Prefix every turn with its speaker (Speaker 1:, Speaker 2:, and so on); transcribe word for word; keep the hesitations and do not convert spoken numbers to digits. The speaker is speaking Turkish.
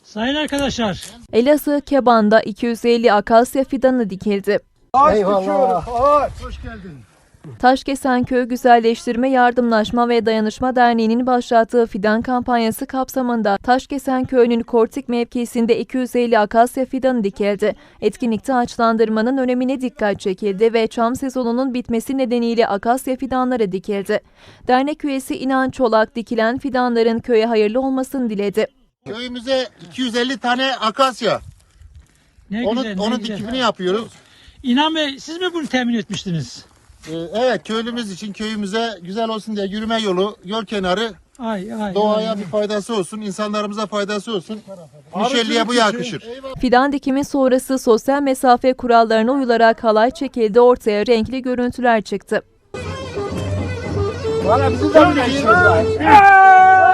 Speaker 1: Sayın arkadaşlar,
Speaker 2: Elazığ Keban'da iki yüz elli akasya fidanı dikildi.
Speaker 3: Eyvallah. Hoş geldin.
Speaker 2: Taşkesenköy Güzelleştirme Yardımlaşma ve Dayanışma Derneği'nin başlattığı fidan kampanyası kapsamında Taşkesenköy'ün Kortik mevkisinde iki yüz elli akasya fidanı dikildi. Etkinlikte ağaçlandırmanın önemine dikkat çekildi ve çam sezonunun bitmesi nedeniyle akasya fidanları dikildi. Dernek üyesi İnan Çolak dikilen fidanların köye hayırlı olmasını diledi.
Speaker 4: Köyümüze iki yüz elli tane akasya.
Speaker 1: ne
Speaker 4: Onun,
Speaker 1: güzel, ne
Speaker 4: onun
Speaker 1: güzel.
Speaker 4: dikimini yapıyoruz.
Speaker 1: İnan Bey, siz mi bunu temin etmiştiniz?
Speaker 4: Ee, evet, köylümüz için köyümüze güzel olsun diye yürüme yolu, yol kenarı,
Speaker 1: Ay, ay,
Speaker 4: doğaya
Speaker 1: ay.
Speaker 4: bir faydası olsun, insanlarımıza faydası olsun. Mişelli'ye bu yakışır.
Speaker 2: Fidan dikimi sonrası sosyal mesafe kurallarına uyularak halay çekildi, ortaya renkli görüntüler çıktı.
Speaker 3: Valla bizi de bir